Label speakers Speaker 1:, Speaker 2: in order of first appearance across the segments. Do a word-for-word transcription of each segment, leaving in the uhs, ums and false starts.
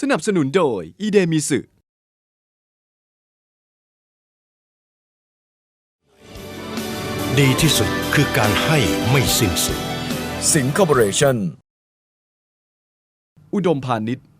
Speaker 1: นับสนุนโดยอีเดมิสึ
Speaker 2: ดีที่สุดคือการให้ไม่สิ้นสุด
Speaker 1: สิงห์คอร์ปอเรชั่นอุดมพาณิชย์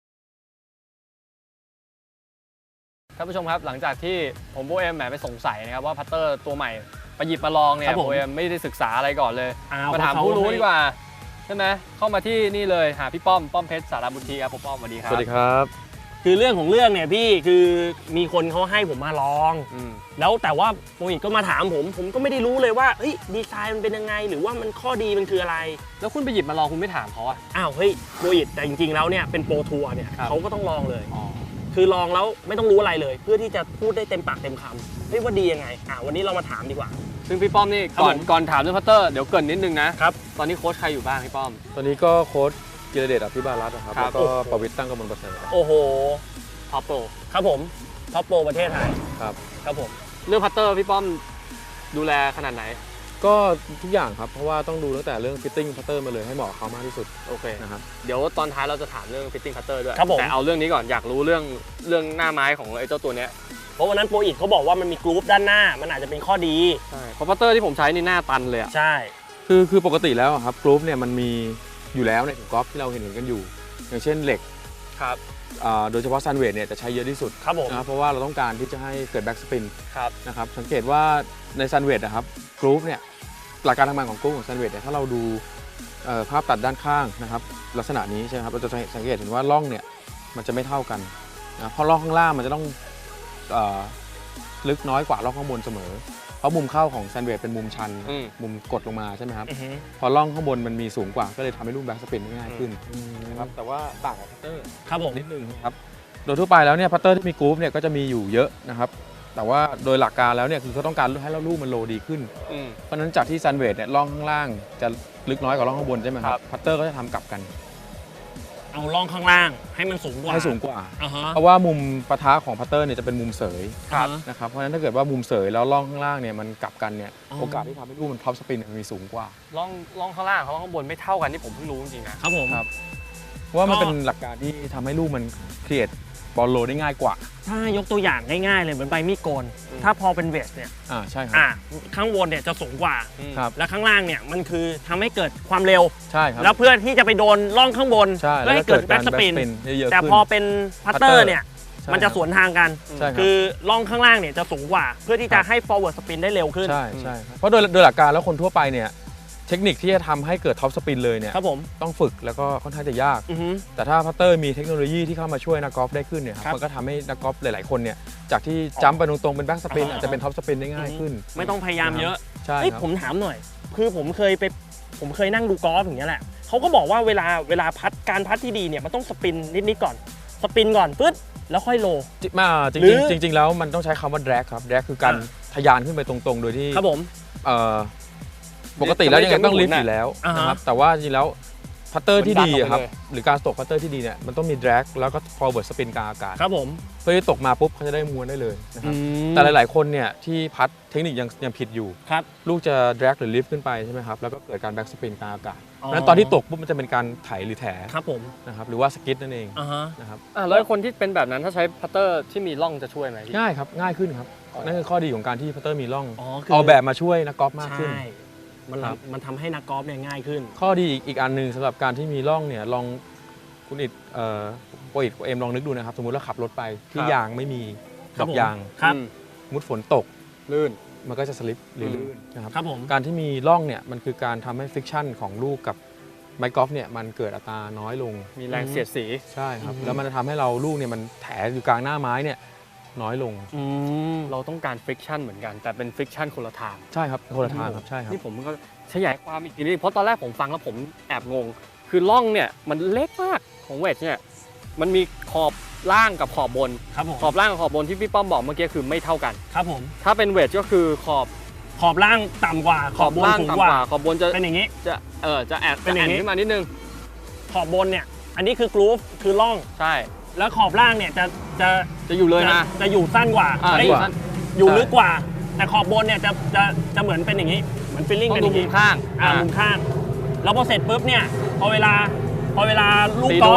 Speaker 3: ท่านผู้ชมครับหลังจากที่ผมโบเอ็มแหมไปสงสัยนะครับว่าพัตเตอร์ตัวใหม่ไปหยิบมาลองเนี่ยโบเอ็มไม่ได้ศึกษาอะไรก่อนเลยมาถามผู้รู้ดีกว่าใช่ไหมเข้ามาที่นี่เลยหาพี่ป้อมป้อมเพชรสารบุตรีครับผมป้อมสวัสดีครับ
Speaker 4: สวัสดีครับ
Speaker 5: คือเรื่องของเรื่องเนี่ยพี่คือมีคนเขาให้ผมมาลองแล้วแต่ว่าโปรอิทก็มาถามผมผมก็ไม่ได้รู้เลยว่าเฮ้ยดีไซน์มันเป็นยังไงหรือว่ามันข้อดีมันคืออะไร
Speaker 3: แล้วคุณไปหยิบมาลองคุณไม่ถามเขาอะ
Speaker 5: อ้าวเฮ้ยโปรอิทแต่จริงๆแล้วเนี่ยเป็นโปรทัวร์เนี่ยเขาก็ต้องลองเลยคือลองแล้วไม่ต้องรู้อะไรเลยเพื่อที่จะพูดได้เต็มปากเต็มคำเฮ้ยว่าดียังไงอ่ะวันนี้เรามาถามดีกว่า
Speaker 3: ซึ่งพี่ป้อมนี่ก่อนก่อนถามเรื่องพัตเตอร์เดี๋ยวเกินนิดนึงนะครับตอนนี้โค้ชใครอยู่บ้างพี่ป้อม
Speaker 4: ตอนนี้ก็โค้ชกิรเดชอภิบาลรัตน์นะครับแล้วก็ประวิตรตั้งกมลประเสริฐ
Speaker 5: โอ้โห
Speaker 3: ท็อปโปร
Speaker 5: ครับผมท็อปโปรประเทศไทย
Speaker 4: ครับ
Speaker 5: ครับผม
Speaker 3: เรื่องพัตเตอร์พี่ป้อมดูแลขนาดไหน
Speaker 4: ก็ทุกอย่างครับเพราะว่าต้องดูตั้งแต่เรื่องฟิตติ้งพัตเตอร์มาเลยให้เหมาะกับเขามากที่สุด
Speaker 3: โอเค
Speaker 4: นะครับ
Speaker 3: เดี๋ยวตอนท้ายเราจะถามเรื่องฟิตติ้งพัตเตอร์ด้วยแต่เอาเรื่องนี้ก่อนอยากรู้เรื่องเรื่องหน้าไม้ของไอ้เจ้าตัวเนี้ย
Speaker 5: เพราะวันนั้นโปรอิทเขาบอกว่ามันมีกรุ๊ปด้านหน้ามันอาจจะเป็นข้อดี
Speaker 3: ใช่เพราะพัตเตอร์ที่ผมใช้นี่หน้าตันเลยอ่ะ
Speaker 5: ใช่
Speaker 4: คือคือปกติแล้วครับกรุ๊ปเนี่ยมันมีอยู่แล้วในกอล์ฟที่เราเห็นเห็นกันอยู่อย่างเช่นเหล็ก
Speaker 3: ครับ
Speaker 4: โดยเฉพาะซันเวทเนี่ยจะใช้เยอะที่สุด
Speaker 5: ครับผม
Speaker 4: นะเพราะว่าเราต้องการที่จะให้เกิดแบ็กสปิน
Speaker 3: ครับ
Speaker 4: นะครับสังเกตว่าในซันเวทนะครับกรุ๊ปเนี่ยหลักการทำงานของกรุ๊ปของซันเวทเนี่ยถ้าเราดูภาพตัดด้านข้างนะครับลักษณะนี้ใช่ไหมครับเราจะสังเกตเห็นว่าร่องเนี่ยมันจะไม่เท่ากันนะเพราะร่องข้างล่างมันจะต้องลึกน้อยกว่าร่องข้างบนเสมอเพราะมุมเข้าของแซนด์วิชเป็นมุมชันมุมกดลงมาใช่ไหมครับพอร่องข้างบนมันมีสูงกว่าก็เลยทำให้ลูกแบ็กสปินง่ายขึ้นนะครับแต่ว่าต่างกับพัตเตอร์
Speaker 5: ครับผม
Speaker 4: นิดนึงครับโดยทั่วไปแล้วเนี่ยพัตเตอร์ที่มีกรุ๊ปเนี่ยก็จะมีอยู่เยอะนะครับแต่ว่าโดยหลักการแล้วเนี่ยคือเขาต้องการให้ลูกมันโลดีขึ้นเพราะฉะนั้นจากที่แซนด์วิชเนี่ยร่องข้างล่างจะลึกน้อยกว่าร่องข้างบนใช่ไหมครับพัตเตอร์ก็จะทำกลับกัน
Speaker 5: เอาร่องข้างล่างให้มันสูงกว่า
Speaker 4: ให้สูงกว่าเพราะว่ามุมปะทะของพัตเตอร์เนี่ยจะเป็นมุมเสยนะครับเพราะฉะนั้นถ้าเกิดว่ามุมเสยแล้วร่องข้างล่างเนี่ยมันกลับกันเนี่ยโอกาสที่ทำให้ลูกมันท็อปสปินมันมีสูงกว่า
Speaker 3: ร่องร่องข้างล่างเขาข้างบนไม่เท่ากันที่ผมเพิ่งรู้จริงๆนะครับ
Speaker 5: ผม
Speaker 4: ครับเพราะว่ามันเป็นหลักการที่ทำให้ลูกมันเครียดบอลโลได้ง่ายกว่า
Speaker 5: ถ้ายกตัวอย่างง่ายๆเลยเหมือนใบมีดโกนถ้าพอเป็นเวสเนี่ย
Speaker 4: อ่าใช่ครับ
Speaker 5: อ่าข้างบนเนี่ยจะสูงกว่า
Speaker 4: ครับ
Speaker 5: และข้างล่างเนี่ยมันคือทำให้เกิดความเร็ว
Speaker 4: ใช่ครับ
Speaker 5: แล้วเพื่อที่จะไปโดนร่องข้างบนเพื่อให้เกิดแบ็กสปินแต่พอเป็นพัตเตอร์เนี่ยมันจะสวนทางกันคือร่องข้างล่างเนี่ยจะสูงกว่าเพื่อที่จะให้ forward spin ได้เร็วขึ้น
Speaker 4: ใช่ใช่เพราะโดยโดยหลักการแล้วคนทั่วไปเนี่ยเทคนิคที่จะทำให้เกิดท็อปสปินเลยเนี่ยต้องฝึกแล้วก็ค่อนข้างจะยากแต่ถ้าพัตเตอร์มีเทคโนโลยีที่เข้ามาช่วยนักกอล์ฟได้ขึ้นเนี่ยมันก็ทำให้นักกอล์ฟหลายๆคนเนี่ยจากที่จัมป์ไปตรงๆเป็นแบ็กสปินอาจจะเป็นท็อปสปินได้ง่ายขึ้น
Speaker 5: ไม่ต้องพยายามเยอะ
Speaker 4: ใช่
Speaker 5: ผมถามหน่อยคือผมเคยไปผมเคยนั่งดูกอล์ฟอย่างเงี้ยแหละเขาก็บอกว่าเวลาเวลาพัดการพัดที่ดีเนี่ยมันต้องสปินนิดๆก่อนสปินก่อนปึ๊ดแล้วค่อยโล
Speaker 4: มาจริงๆจริงๆแล้วมันต้องใช้คำว่าแดร็กครับแดร็กคือการทะยานขึ้นไปตรงๆโดยที่
Speaker 5: ครับผม
Speaker 4: ปกติแล้วยังไงต้องลิฟต์อยู่แล้วนะครับแต่ว่าจริงๆแล้วพัตเตอร์ที่ดีครับหรือการตกพัตเตอร์ที่ดีเนี่ยมันต้องมีแดร็กแล้วก็ forward spin กลางอากาศ
Speaker 5: ครับผม
Speaker 4: เพื่อที่ตกมาปุ๊บเขาจะได้ม้วนได้เลยนะครับแต่หลายๆคนเนี่ยที่พัดเทคนิคยังยังผิดอยู่ลูกจะแดร็กหรือลิฟต์ขึ้นไปใช่ไหมครับแล้วก็เกิดการแบ็กสปินกลางอากาศนั้นตอนที่ตกปุ๊บมันจะเป็นการไถหรือแถ
Speaker 5: ครับผม
Speaker 4: นะครับหรือว่าสกิดนั่นเองนะครับ
Speaker 3: แล้วคนที่เป็นแบบนั้นถ้าใช้พัตเตอร์ที่มีร่องจะช่วยไหม
Speaker 4: ง่ายครับง่ายขึ้นครับนั่นคือข้อดีของการที่พัตเตอร์มีร่องเอาแบบมาช่วยนักกอล์ฟมากขึ้น
Speaker 5: มันมันทำให้นักกอล์ฟเนี่ยง่ายขึ้น
Speaker 4: ข้อดีอีกอีกอันหนึ่งสำหรับการที่มีร่องเนี่ยลองคุณอิดเอ่อโปรอิดเอ็มลองนึกดูนะครับสมมุติเราขับรถไปที่ยางไม่มีดอกยางมุดฝนตก
Speaker 3: ลื่น
Speaker 4: มันก็จะสลิปหรือลื่นนะครับ
Speaker 5: ครับผม
Speaker 4: การที่มีร่องเนี่ยมันคือการทำให้ฟริกชันของลูกกับไม้กอล์ฟเนี่ยมันเกิดอัตราน้อยลง
Speaker 3: มีแรงเสียดสี
Speaker 4: ใช่ครับแล้วมันจะทำให้เราลูกเนี่ยมันแถอยู่กลางหน้าไม้เนี่ยน้อยลง
Speaker 3: เราต้องการฟริกชันเหมือนกันแต่เป็นฟริกชันคนละทาง
Speaker 4: ใช่ครับคนละทางครับใช่ครับ
Speaker 3: นี่ผมก็ขยายความอีกทีนึงเพราะตอนแรกผมฟังแล้วผมแอบงงคือร่องเนี่ยมันเล็กมากของเวทเนี่ยมันมีขอบล่างกับขอบบนขอบล่างกับขอบบนที่พี่ป้อมบอกเมื่อกี้คือไม่เท่ากัน
Speaker 5: ครับผม
Speaker 3: ถ้าเป็นเวทก็คือขอบ
Speaker 5: ขอบล่างต่ำกว่า
Speaker 3: ขอบบนสูงกว่าขอบบนจะ
Speaker 5: เป็นอย่างนี้
Speaker 3: จะเออจะแอบเป็นอย่างนี้ขึ้นมานิดนึง
Speaker 5: ขอบบนเนี่ยอันนี้คือกรูฟคือร่อง
Speaker 3: ใช่
Speaker 5: แล้วขอบล่างเนี่ยจะจะ
Speaker 3: จะอยู่เลยนะ
Speaker 5: จะอยู่สั้นกว่าอยู่ลึกกว่าแต่ขอบบนเนี่ยจะจะจะเหมือนเป็นอย่างนี้เหมือนฟิลลิ่งเป็นอย่าง
Speaker 3: นี้มุมข้าง
Speaker 5: อ่ามุมข้างแล้วพอเสร็จปุ๊บเนี่ยพอเวลาพอเวลาลูกกอล์ฟ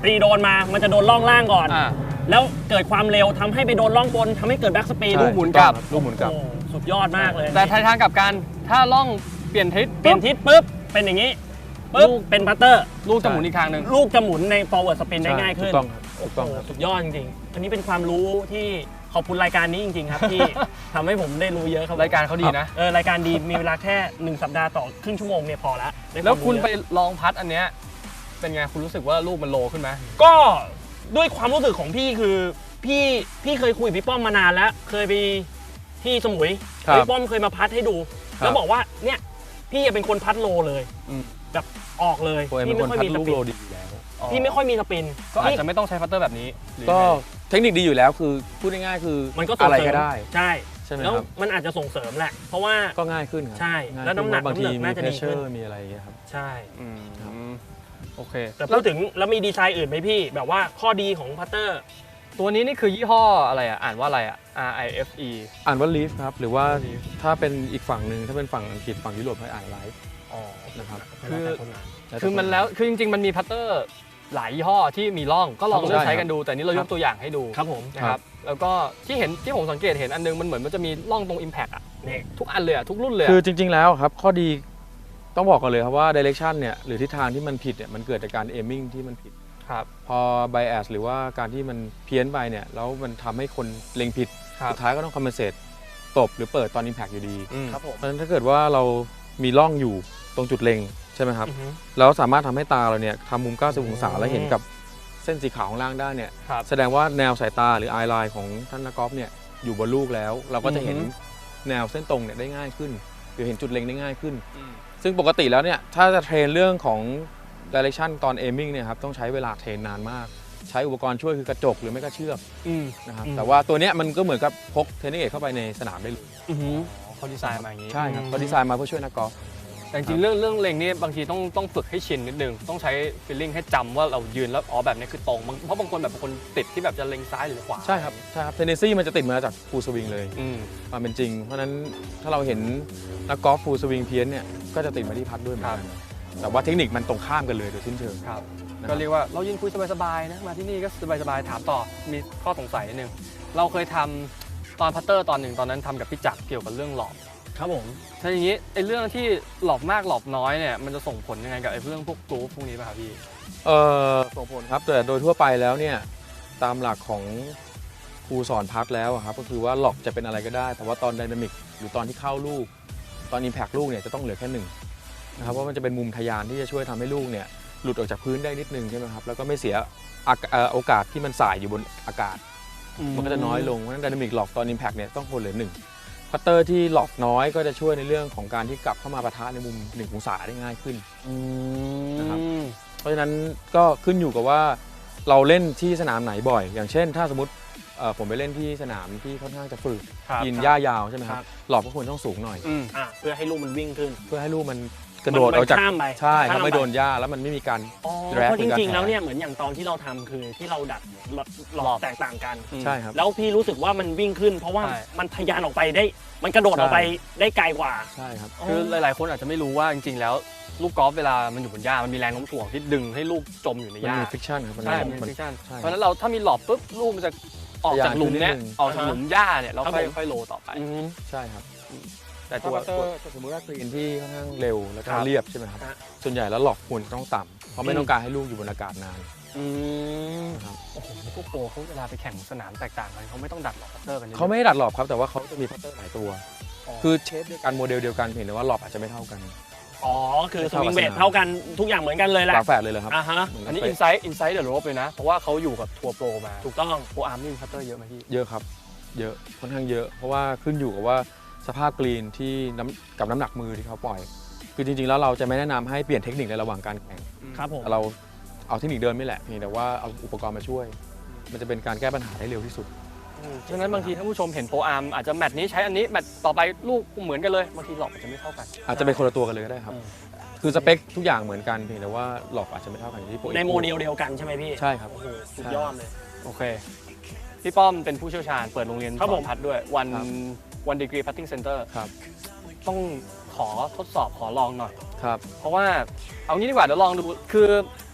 Speaker 5: ตีโดนมามันจะโดนล่องล่างก่อน
Speaker 3: อ่า
Speaker 5: แล้วเกิดความเร็วทำให้ไปโดนล่องบนทำให้เกิดแบ็กสปีด
Speaker 4: ใช่
Speaker 3: ลูกหมุนกลับ
Speaker 4: ลูกหมุนกลับ
Speaker 5: โอ้สุดยอดมากเลย
Speaker 3: แต่ทางกลับกันถ้าล่องเปลี่ยนทิศ
Speaker 5: เปลี่ยนทิศปุ๊บเป็นอย่างนี้ปุ๊บ
Speaker 3: ลูก
Speaker 5: เป็นพัตเตอร์
Speaker 3: ลูกจะหมุนอีกทางหนึ่ง
Speaker 5: ลูกจะหมุนใน forward spin ได้ง่ายขึ้น
Speaker 4: ถูกต้องครับถูกต้อง
Speaker 5: โอ้
Speaker 4: ครับ
Speaker 5: สุดยอดจริงๆ อันนี้เป็นความรู้ที่ขอบคุณรายการนี้จริงๆครับ ที่ ทำให้ผมได้รู้เยอะครับ
Speaker 3: รายการเขาดีนะ
Speaker 5: เออรายการดีมีเวลาแค่หนึ่งสัปดาห์ต่อครึ่งชั่วโมงเนี่ยพอละได้วาม
Speaker 3: แล้วคุณ
Speaker 5: รู้
Speaker 3: ไป
Speaker 5: เยอะ
Speaker 3: ลองพัดอันเนี้ยเป็นไงคุณรู้สึกว่าลูกมันโลขึ้นไหม
Speaker 5: ก็ด้วยความรู้สึกของพี่คือพี่พี่เคยคุยกับพี่ป้อมมานานแล้ว เคยไปที่สมุย
Speaker 4: ครับ
Speaker 5: พี่ป้อมเคยมาพัดให้ดู
Speaker 4: ครับ
Speaker 5: แล้วบอกว่าเนี่ยพี่เป็นคนพัดโลเลย
Speaker 3: อืม
Speaker 5: แบบออกเลย
Speaker 4: โปรเอ็ม
Speaker 5: พี่
Speaker 4: เป็น
Speaker 5: ไม่
Speaker 4: คน
Speaker 5: ค่อย
Speaker 4: พัด
Speaker 5: มีส
Speaker 4: ลูก
Speaker 5: ปิ
Speaker 4: โล
Speaker 5: น
Speaker 4: ดีอยู่แล้ว
Speaker 5: พี่ไม่ค่อยมีสปิน
Speaker 3: ก็อาจจะไม่ต้องใช้พัตเตอร์แบบนี้หรือ
Speaker 4: ก็
Speaker 3: ยังไง
Speaker 4: เทคนิคดีอยู่แล้วคือพูดง่ายๆคือ
Speaker 5: มันก็ส่ง
Speaker 4: อะไร
Speaker 5: เสริ
Speaker 4: ก็
Speaker 5: ม
Speaker 4: ได้
Speaker 5: ใช่
Speaker 4: ใช่ไหม
Speaker 5: แล้ว
Speaker 4: ครับ
Speaker 5: มันอาจจะส่งเสริมแหละ เพราะว่า
Speaker 4: ก็ง่ายขึ้นครับ
Speaker 5: ใช่
Speaker 4: ง่าย
Speaker 5: แล้วน้ำหนัก
Speaker 4: ขึ้บางที
Speaker 5: น้ำหนัก
Speaker 4: มี
Speaker 5: น่าจะ
Speaker 4: เพ
Speaker 5: ดี
Speaker 4: รสเชอ
Speaker 5: ขึ้น
Speaker 4: ร์มีอะไรอย่างเงี้ยครับ
Speaker 5: ใช่
Speaker 3: อืมโอเค
Speaker 5: แต่พูดถึงแล้วมีดีไซน์อื่นไหมพี่ แบบว่าข้อดีของพัตเตอร์
Speaker 3: ตัวนี้นี่คือยี่ห้ออะไรอ่ะอ่านว่าอะไรอ่ะ R I F E
Speaker 4: อ่านว่า leaf ครับหรือว่า
Speaker 3: Leaf
Speaker 4: ถ้าเป็นอีกฝั่งหนึ่งถ้าเป็นฝั่งอังกฤษฝั่งยุโรปให้อ่าน life
Speaker 5: อ๋อ
Speaker 4: นะครับ
Speaker 3: คือ
Speaker 4: แล้วแต่
Speaker 3: คือมันแล้วคือจริงๆมันมีพัตเตอร์หลายยี่ห้อที่มีร่องก็ลอง
Speaker 4: ครับ
Speaker 3: เลือก
Speaker 4: ใช่
Speaker 3: ใช้กันดู แต่นี่เรายกตัวอย่างให้ดู
Speaker 5: ครับผม
Speaker 3: นะครับแล้วก็ที่เห็นที่ผมสังเกตเห็นอันนึงมันเหมือนมันจะมีร่องตรง Impact อ่ะ
Speaker 5: นี่
Speaker 3: ทุกอันเลยอ่ะทุกรุ่นเลย
Speaker 4: คือ
Speaker 3: อะ
Speaker 4: จริง ๆ แล้วครับข้อดีต้องบอกก่อนเลยครับว่า direction เนี่ยหรือทิศทางที่มันผิดเนี่ยมันเกิดจากการ aiming ที่มันผิด
Speaker 3: ครับ
Speaker 4: พอ bias หรือว่าการที่มันเพี้ยนไปเนี่ยแล้วมันทำให้คนเล็งผิด
Speaker 3: ครับ
Speaker 4: สุดท้ายก็ต้อง compensate ตบหรือเปิดตอน impact อยู่ดี
Speaker 3: อืม
Speaker 5: ครับผม
Speaker 4: เพราะฉะนั้นถ้าเกิดว่าเรามีร่องอยู่ตรงจุดเล็งใช่ไหมครับ
Speaker 5: อือฮึ
Speaker 4: แล้วสามารถทำให้ตาเราเนี่ยทำมุมเก้าสิบองศา
Speaker 5: อืม
Speaker 4: แล้วเห็นกับเส้นสีขาวข้างล่างได้เนี่ย
Speaker 3: ครับ
Speaker 4: แสดงว่าแนวสายตาหรือ eye line ของท่านนักกอล์ฟเนี่ยอยู่บนลูกแล้ว เราก็จะเห็น
Speaker 3: อือฮึ
Speaker 4: แนวเส้นตรงเนี่ยได้ง่ายขึ้นหรือเห็นจุดเล็งได้ง่ายขึ้น
Speaker 3: อืม
Speaker 4: ซึ่งปกติแล้วเนี่ยถ้าจะเทรนเรื่องของ direction ตอน aiming เนี่ยครับต้องใช้เวลาเทรนนานมาก ใช้อุปกรณ์ช่วยคือกระจกหรือไม่ก็เชือก
Speaker 3: อืม
Speaker 4: นะครับ
Speaker 5: อืม
Speaker 4: แต่ว่าตัวเนี้ยมันก็เหมือนกับพกเทรนนิ่งเอทเข้าไปในสนามได้เลย
Speaker 5: อือฮึ
Speaker 3: อ๋อเขาดีไซน์มาอย่างนี้
Speaker 4: ใช่ครับเขาดีไซน์มาเพื่อช่วยนักกอล์ฟ
Speaker 3: แต่จริงๆเรื่องเรื่องเล็งนี่บางทีต้องต้องฝึกให้ชินนิดนึงต้องใช้ฟีลลิ่งให้จำว่าเรายืนแล้วอ๋อแบบนี้คือตรงบางเพราะบางคนแบบบางคนติดที่แบบจะเล็งซ้ายหรือขวา
Speaker 4: ใช่ครับใช่ครับเทนเนสซี่มันจะติดมาจากฟูลสวิงเลย
Speaker 3: อืม
Speaker 4: ความเป็นจริง เพราะฉะนั้นถ้าเราเห็นนักกอล์ฟฟูลสวิงเพี้ยนเนี่ยก็จะติดมาที่พัดด้วยเหมือนกันแต่ว่าเทคนิคมันตรงข้ามกันเลยโดยสิ้นเชิง
Speaker 3: ครับ
Speaker 4: นะครับ
Speaker 3: ก็เรียกว่าเรายิงคุยสบายๆนะมาที่นี่ก็สบายๆถามต่อมีข้อสงสัยนิดนึงเราเคยทำตอนพัตเตอร์ตอนหนึ่งตอนนั้นทำกับพี่จักรเกี่ยวกับเรื่องหลอบ
Speaker 5: ครับผม
Speaker 3: ถ้าอย่างนี้ไอ้เรื่องที่หลอบมากหลอบน้อยเนี่ยมันจะส่งผลยังไงกับไอ้เรื่องพวกกรูฟพวกนี้ป่ะครับพี่
Speaker 4: เออส่งผลครับแต่โดยทั่วไปแล้วเนี่ยตามหลักของครูสอนพัดแล้วอะครับก็คือว่าหลอกจะเป็นอะไรก็ได้ แต่ว่าตอนไดนามิกหรือตอนที่เข้าลูก ตอนอิมแพคลูกเนี่ยจะต้องเหลือแค่หนึ่งนะครับเพราะมันจะเป็นมุมทะยานที่จะช่วยทำให้ลูกเนี่ยหลุดออกจากพื้นได้นิดนึงใช่ไหมครับแล้วก็ไม่เสียอากเอ่อโอกาสที่มันสายอยู่บนอากาศ มันก็จะน้อยลงเพราะฉะนั้นไดนามิกหลอกตอนอิมแพคเนี่ยต้องคนเหลือหนึ่งพัตเตอร์ที่หลอกน้อยก็จะช่วยในเรื่องของการที่กลับเข้ามาปะทะในมุมหนึ่งองศาได้ง่ายขึ้น นะครับ เพราะฉะนั้นก็ขึ้นอยู่กับว่าเราเล่นที่สนามไหนบ่อย อย่างเช่น ถ้าสมมติเอ่อผมไปเล่นที่สนามที่ค่อนข้างจะฝืด
Speaker 3: ครับ
Speaker 4: กินหญ้ายาวใช่ไหมค
Speaker 5: ค
Speaker 4: รั
Speaker 5: รั
Speaker 4: บบ หลอกก็ควรต้องสูงหน่อย
Speaker 3: อืม
Speaker 5: อ่ะเพื่อให้ลูกมันวิ่งขึ้น
Speaker 4: เพื่อให้ลูกมันกระโดด
Speaker 5: มัน
Speaker 4: ออกจาก
Speaker 5: ข้ามไป
Speaker 4: ใช่ครับ
Speaker 5: ข้าม
Speaker 4: ไม่
Speaker 5: ไป
Speaker 4: โดนหญ้าแล้วมันไม่มีการ
Speaker 5: อ๋อ
Speaker 4: แรป
Speaker 5: เพราะจริงๆ
Speaker 4: หรือการ
Speaker 5: แล้วเนี่ย
Speaker 4: แถ
Speaker 5: เหมือนอย่างตอนที่เราทำคือที่เราดัดหลอกแตกต่างกัน
Speaker 3: อืม
Speaker 4: ใช่ครับ
Speaker 5: แล้วพี่รู้สึกว่ามันวิ่งขึ้น เพราะว่า
Speaker 3: ใช่
Speaker 5: มันทะยานออกไปได้ มันกระโดดออกไปได้ไกลกว่า
Speaker 4: ใช่ครับ
Speaker 3: คือหลายๆ คนอาจจะไม่รู้ว่าจริงๆ แล้วลูกกอล์ฟเวลามันอยู่บนหญ้ามันมีแรงโน้มถ่วงที่ดึงให้ลูกจมอยู่ใน
Speaker 4: มัน
Speaker 3: หญ้า
Speaker 4: มีฟิกชันครับ
Speaker 3: ใช่
Speaker 4: มั
Speaker 3: มัน
Speaker 4: น
Speaker 3: เป็นฟิกชัน
Speaker 4: ใช่
Speaker 3: เพราะฉะนั้นเราถ้ามีหลอบปุ๊บลูกมันจะออกจากหลุมเนี้ย
Speaker 4: ทะยานขึ้นนิดนึง
Speaker 3: ออกจากหลุมหญ้าเนี่ยเรา
Speaker 5: ครับ
Speaker 3: ค่อย
Speaker 5: ผม
Speaker 3: ค่อยโลต่อไป
Speaker 5: อืม
Speaker 4: ใช่ครับ
Speaker 3: แต่
Speaker 4: ถ้า
Speaker 3: ตัว
Speaker 4: พัตเตอร์สมมติว่ากรีนที่ค่อนข้างเร็วแล้วก็
Speaker 3: ครับ
Speaker 4: เรียบใช่ไหมครับ
Speaker 5: ฮะ
Speaker 4: ส่วนใหญ่แล้วหลอกควรต้องต่ำเพราะไม่ต้องการให้ลูกอยู่บนอากาศนาน
Speaker 5: อืม
Speaker 4: นะครับ
Speaker 3: โอ้โหพวกโปรเขาเวลาไปแข่งสนามแตกต่างกันเขาไม่ต้องดัดหลอกพัตเตอร์กันยอะ
Speaker 4: เขาไม่ได้ดัดหลอบครับแต่ว่าเขาจะมีพัตเตอร์หลายตัว
Speaker 3: อ๋อ
Speaker 4: คือเชฟเดียวกันโมเดลเดียวกันเพียงแต่ว่าหลอบอาจจะไม่เท่ากัน
Speaker 5: อ๋อ คือส
Speaker 4: เท่ากับ
Speaker 5: วิงเบ
Speaker 4: ส
Speaker 5: ท
Speaker 4: นาม
Speaker 5: เท่ากันทุกอย่างเหมือนกันเลยแหละ
Speaker 4: ฝาแฝดเลยเหรอครับ
Speaker 5: อ่าฮะ
Speaker 4: เหมื
Speaker 3: อันนี้
Speaker 4: กั
Speaker 3: อินไซต์อินไซต์เดอะโรบเลยนะ เพราะว่าเขาอยู่กับทัวร์โปรมา
Speaker 5: ถูกต้อง
Speaker 3: โปรอาร์มนี่มีพัตเตอร์เยอะไหมพี่
Speaker 4: เยอะครับ เยอะค่อนข้างเยอะ เพราะว่าขึ้นอยู่กับว่าสภาพกรีนที่น้ำกับน้ำหนักมือที่เขาปล่อย คือจริงๆแล้วเราจะไม่แนะนำให้เปลี่ยนเทคนิคในระหว่างการแข่ง
Speaker 5: ครับผม
Speaker 4: เราเอาเทคนิคเดิมนี่แหละเพียงแต่ว่าเอาอุปกรณ์มาช่วย มันจะเป็นการแก้ปัญหาได้เร็วที่สุด
Speaker 3: ฉะนั้นบางทีท่านผู้ชมเห็นโปรอาร์มอาจจะแมตช์นี้ใช้อันนี้แมตช์ต่อไปลูกเหมือนกันเลยบางทีหลอกอาจจะไม่เท่ากัน
Speaker 4: อาจจะเป็นคนละตัวกันเลยก็ได้ครับ
Speaker 3: อืม
Speaker 4: คือสเปคทุกอย่างเหมือนกันเพียงแต่ว่าหลอกอาจจะไม่เท่ากันอย่างที่โปร
Speaker 5: ในโมเดลเดียวกันใช่ไหมพี่
Speaker 4: ใช่ครับ
Speaker 5: โอ้โหสุดยอดเลย
Speaker 3: โอเค พี่ป้อมเป็นผู้เชี่ยวชาญเปิดโรงเรียน
Speaker 5: ครับ
Speaker 3: ส
Speaker 5: ผ
Speaker 3: อ
Speaker 5: ม
Speaker 3: นพัดด้วยวัน
Speaker 4: ครับ
Speaker 3: วันดีกรีพัตติ้งเซ็นเตอร์
Speaker 4: ครับ
Speaker 3: ต้องขอทดสอบขอลองหน่อย
Speaker 4: ครับ
Speaker 3: เพราะว่าเอางี้ดีกว่าเดี๋ยวลองดูคือ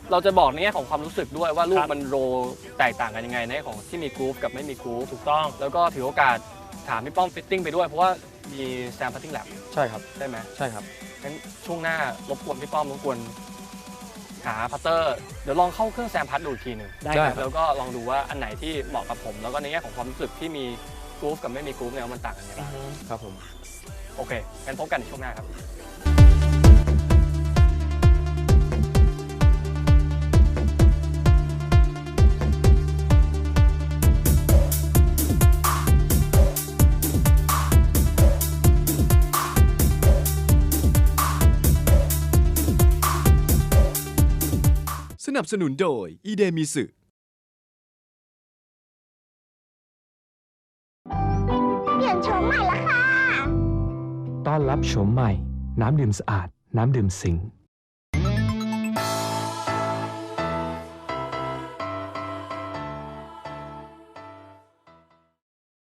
Speaker 3: เราจะบอกในแง่ของความรู้สึกด้วยว่าลู
Speaker 5: ค
Speaker 3: ก
Speaker 5: รับ
Speaker 3: มันโรแตกต่างกันยังไงในแง่ของที่มีกรูฟกับไม่มีกรูฟ
Speaker 5: ถูกต้อง
Speaker 3: แล้วก็ถือโอกาสถามพี่ป้อมฟิตติ้งไปด้วยเพราะว่ามีแซมพัตติ้งแลบ
Speaker 4: ใช่ครับ
Speaker 3: ได้ไหม
Speaker 4: ใช่ครับ
Speaker 3: งั้นช่วงหน้ารบกวนพี่ป้อมรบกวนหาพัตเตอร์เดี๋ยวลองเข้าเครื่องแซมพัตดูอีกทีหนึ่ง
Speaker 5: ได้
Speaker 4: ได้
Speaker 5: ครับ
Speaker 3: แล้วก็ลองดูว่าอันไหนที่เหมาะกับผม แล้วก็ในแง่ของความรู้สึกที่มีกรูฟกับไม่มีกรูฟเนี่ยมันต่างกันยังไง
Speaker 5: อื
Speaker 3: บ้าง
Speaker 5: อฮึ
Speaker 4: ครับผม
Speaker 3: โอเคงั้นพบกันในช่วงหน้าครับ
Speaker 1: สนับสนุนโดยอีเดมิสึ
Speaker 6: เปลี่ยนโฉมใหม่ละค่ะ
Speaker 7: ต้อนรับโฉมใหม่ น้ำดื่มสะอาด น้ำดื่มสิงห์